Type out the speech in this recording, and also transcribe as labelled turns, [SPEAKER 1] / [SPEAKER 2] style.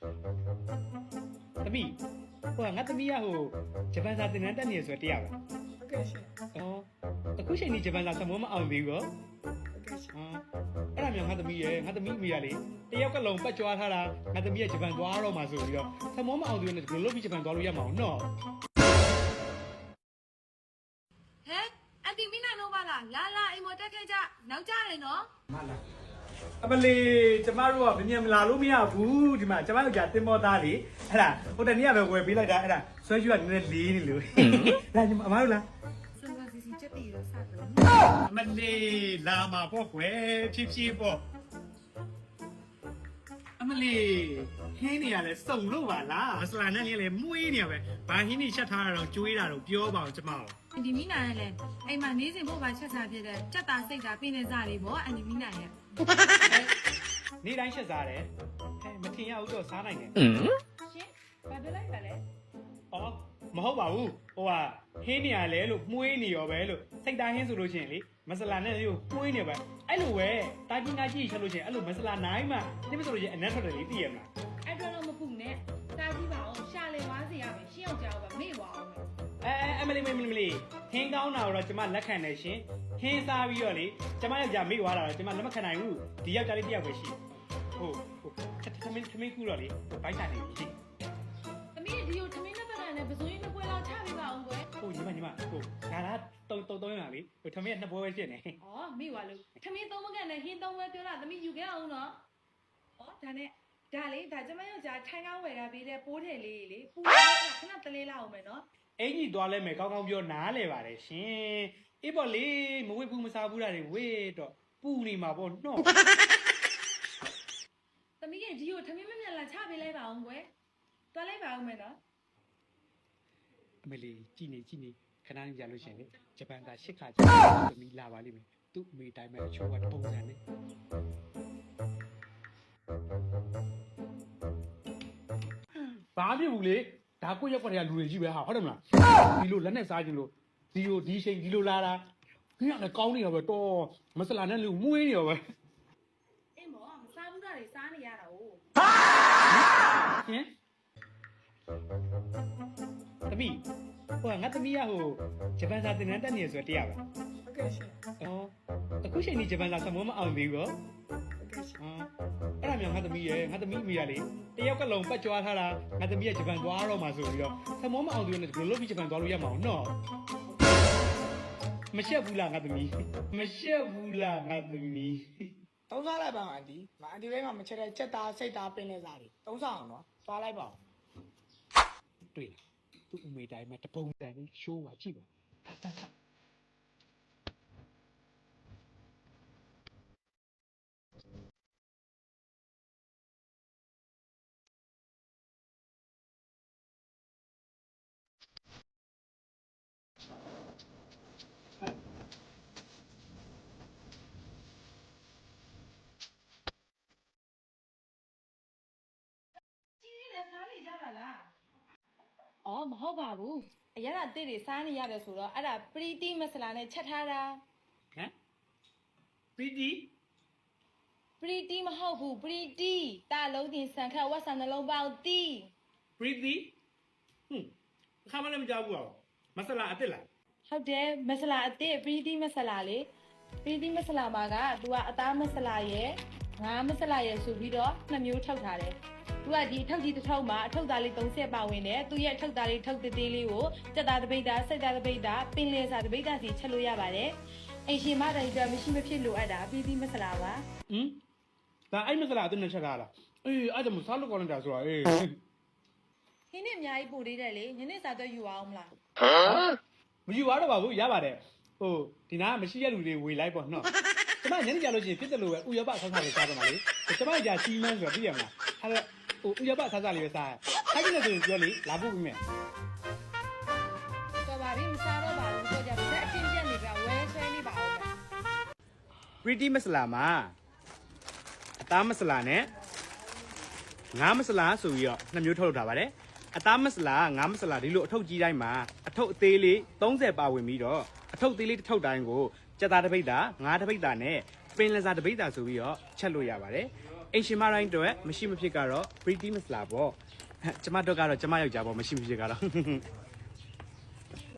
[SPEAKER 1] သမီးဟိုငါသမီးကဟိုဂျပန်စာသင်တန်းတက်နေရဆိုတရားပဲ
[SPEAKER 2] ဟုတ်ကဲ့ရှင်
[SPEAKER 1] အခုချိန်ကြီးဂျပန်စာစမောမအောင်သေးဘူးရော
[SPEAKER 2] ဟုတ်ကဲ့ရှင်
[SPEAKER 1] အဲ့ဒါမျိုးငါသမီးရဲ့ငါသမီးအမေကလေတယောက်ကလုံးပတ်ကြွားထားတာငါသမီးကဂျပန်သွားတော့မှဆိုပြီးတော့စမောမအောင်သေးဘူးနဲ့ဘယ်လိုလုပ်ပြီးဂျပန်သွားလို့ရမှာအောင်နော်
[SPEAKER 3] ဟဲ့အန်တီမီနိုင်တော့ပါလားလာလာအိမ်မတက်ခဲ့ကြနောက်ကြတယ်နော်
[SPEAKER 1] မလားအမလေးကျမတို့ကမြန်မလာလို့မရဘူးဒီမှာကျမတို့ကြာတင်မောသားလေအဲ့ဒါဟိုတနေ့ကပဲဝယ်ပေးလိုက်တာအဲ့ဒါဆွဲရွှတ်ကနည်းနည်းလေးနေလို့လာညီမအမတို့လား
[SPEAKER 3] စံပါစီစီချက်တီရောစတယ်
[SPEAKER 1] အမလေးလာမှာပေါ့ကွယ်ဖြည်းဖြည်းပေါ့အမလေးဟင်းနေရလဲစုံလို့ပါလားမစလာနဲ့လည်းမွေးနေရပဲဘာဟင်းနေချက်ထားတာတော့ကျွေးတာတော့ပြောပါအောင်ကျမတို့
[SPEAKER 3] အန်တီမီနိုင်လည်းအိမ်မှာနေစဉ်ဖို့ပါချက်စားဖြစ်တဲ့ကြက်သားစိတ်သားပြင်းနေစားလေးပေါ့အန်တီမီနိုင်ရဲ့
[SPEAKER 1] နေ့တိုင်းချက်စားတယ်ဟဲ့မထင်ရဘူးတော့စားနိုင်တယ်
[SPEAKER 3] ရှင်ဘာပြောလိုက်ပါလဲ
[SPEAKER 1] အော်မဟုတ်ပါဘူးဟိုကဟင်းနေရလဲလို့မှုေးနေရောပဲလို့စိတ်သားဟင်းဆိုလို့ရှိရင်လေမစလာနဲ့လေးကိုမှုေးနေပဲအဲ့လိုပဲတာကြီးငါကြီးချက်လို့ရှိရင်အဲ့လိုမစလာနိုင်မှဒီမဆိုလို့ရှိရင်အနက်ထွက်တယ်လေသိရမလား
[SPEAKER 3] အဲ့တော့တော့မပူနဲ့စားကြည့်ပါအောင်ရှာလေဝါးစီရမယ်ရှင်းအောင်ကြောက်ပါမေ့ပါအောင်
[SPEAKER 1] အမလေးဟင်းကောင်းတာတော့ကျမလက်ခံတယ်ရှင်ဟင်းစားပြီးတော့လေကျမယောက်ျားမိသွားတာတော့ကျမလက်မခံနိုင်ဘူးဒီယောက်ျားလေးတစ်ယောက်ပဲရှိဟုတ်သမင်းကူတော့လေဘိုက်တာနေပြီ
[SPEAKER 3] သမီးဒီကိုသမင်းနှစ်ပတ်နဲ့ပစိုးရင်းနှစ်ပွဲလောက်ချပေးပါအောင်ကွယ်
[SPEAKER 1] ဟုတ်ညီမဟိုဒါလားတုံးရလေဟိုသမင်းကနှစ်ပွဲပဲဖြစ်နေ
[SPEAKER 3] ဩမေ့ပါလို့သမင်းသုံးမကန်နဲ့ဟင်းသုံးပွဲပြောတာသမီးယူခဲ့အောင်နော်ဩဒါနဲ့ဒါလေဒါကျမယောက်ျားထိုင်းကောင်းဝယ်တာပေးတဲ့ပိုးထည်လေးလေပူနေတာခဏတလေးလောက်အောင်မယ်နော်
[SPEAKER 1] အင်ကြီးသွားလဲမယ်ကောင်းကောင်းပြောနားလဲပါတယ်ရှင်အေးပေါ့လေမဝေ့ဘူးမစားဘူးတာတွေဝေ့တော့ပူနေမှာပေါ့နော်
[SPEAKER 3] သမီးကဒီကိုသမီးမမြတ်လာချပေးလိုက်ပါအောင်ကွယ်တွားလိုက်ပါအောင်မယ်နော်
[SPEAKER 1] အမေလေးကြည်နေခဏနေကြလို့ရှင်လေဂျပန်က8ခါကြာသမီးလာပါလိမ့်မယ်သူ့အမေတိုင်းမဲ့အချိုးကပုံစံနဲ့ဘာဖြစ်ဘူးလေဒါကိုရက်ွက်တွေကလူတွေကြီးပဲဟာဟုတ်တယ်မလားဒီလိုလက်နဲ့စားခြင်းလို့ဒီချိန်ဒီလိုလာတာခင်ဗျလည်းကောင်းနေရောပဲတော်မစလာနဲ့လူမွေးနေရောပဲ
[SPEAKER 3] အေးမောမစားဘူးတာတွေစားနေရတာ哦
[SPEAKER 1] ဟင်သမီးဟိုငါသမီးကဟိုဂျပန်စာသင်တန်းတက်နေရဆိုတရားပဲ
[SPEAKER 2] ဟုတ်ကဲ့ရှင်
[SPEAKER 1] အခုချိန်ကြီးဂျပန်စာစမောမအောင်သေးဘူးရော
[SPEAKER 2] ဟုတ်ကဲ့ရှင်
[SPEAKER 1] အဲ့ဒါမျိုးငါသမီးရဲ့ငါသမီးအမေကလေတယောက်ကလုံးပတ်ကြွားထားတာငါသမီးကဂျပန်သွားတော့မှဆိုပြီးတော့စမောမအောင်သေးဘူးနဲ့ဘယ်လိုလုပ်ပြီးဂျပန်သွားလို့ရမှာအောင်နော်မရှက်ဘူးလားငါသမီးမရှက်ဘူးလားငါသမီး
[SPEAKER 2] သုံးစားလိုက်ပါအန်တီမအန်တီလေးမှမချက်တဲ့ချက်သားစိတ်သားပင်းနေစားတွေသုံးစားအောင်နော်သွားလိုက်ပါဦး
[SPEAKER 1] တွေ့လားသူ့အမေတိုင်းမှာတပုံတန်လေးရှိုးပါကြည့်ပါ
[SPEAKER 3] อ๋อမဟုတ်ပါဘူးအရသာတစ်တွေစားနေရတယ်ဆိုတော့အဲ့ဒါပရီတီမဆလာနဲ့ချက်ထားတာ
[SPEAKER 1] ဟမ်ပီတီ
[SPEAKER 3] ပရီတီမဟုတ်ဘူးပရီတီတာလုံးတင်ဆန်ခတ်ဝက်ဆန်နှလုံးပေါက်တီ
[SPEAKER 1] ပရီတီခါမလည်းမကြောက်ဘူးအောင်မဆလာအစ်စ်လား
[SPEAKER 3] ဟုတ်တယ်မဆလာအစ်စ်ပရီတီမဆလာလေပရီတီမဆလာမှာကသူကအသားမဆလာရဲ့ငါးမဆလာရဲ့ဆိုပြီးတော့နှစ်မျိုးထုတ်ထားတယ်သူကဒီအထုပ်ကြီးတစ်ထုပ်မှာအထုပ်သားလေး30ပါဝင်တယ်သူရဲ့အထုပ်သားလေးထုတ်သေးသေးလေးကိုစက်သားတပိတ်သားစိတ်သားတပိတ်သားပင်လယ်စာတပိတ်သားစီချက်လို့ရပါတယ်အိမ်ရှင်မတိုင်းအတွက်မရှိမဖြစ်လိုအပ်တာပရီတီမဆလာပါ
[SPEAKER 1] ဒါအဲ့မဆလာအစ်စ်နဲ့ချက်ထားလားအေးအဲ့ဒါမစားလို့ကောင်းနေတာဆိုတာအေး
[SPEAKER 3] ဟင်းနဲ့အများကြီးပို့သေးတယ်လေညနေစာတော့ယူအောင်မလား
[SPEAKER 1] မယူရတော့ပါဘူးရပါတယ်ဟိုဒီနားမရှိရလူတွေဝေလိုက်ပေါ့နော်ကျမညနေကြလို့ရှိရင်ဖြစ်တယ်လို့ပဲဥရောပဆောက်စားလေးစားတော့မှာလေကျမကြာစီမန်းဆိုတော့သိရမလားအဲ့တော့ဟိုဥရောပဆောက်စားလေးပဲစားခိုင်းနေတယ်ဆိုရင်ပြောလေလာဖို့ပြီးမယ်
[SPEAKER 3] တော်ပါပြီမစားတော့ပါဘူးဆိုကြပါဆက်အချင်းပြက်နေပြဝဲဆွဲနေပါဦးမယ်
[SPEAKER 1] ပရီတီမဆလာမှာအသားမဆလာနဲ့ငါးမဆလာဆိုပြီးတော့နှစ်မျိုးထုတ်လုပ်ထားပါတယ်အသားမဆလာငါးမဆလာဒီလိုအထုပ်ကြီးတိုင်းမှာအထုပ်အသေးလေး30ပါဝင်ပြီးတော့အထုပ်သေးလေးတစ်ထုပ်တိုင်းကိုကြက်သားတစ်ပိတ်တာငါးတစ်ပိတ်တာနဲ့ပင်လယ်စာတစ်ပိတ်တာဆိုပြီးတော့ချက်လို့ရပါတယ်အိမ်ရှင်မတိုင်းတော့မရှိမဖြစ်ကတော့ pretty မစလာပေါ့ကျမတို့ကတော့ကျမယောက်ျားပေါ့မရှိမဖြစ်ကတော့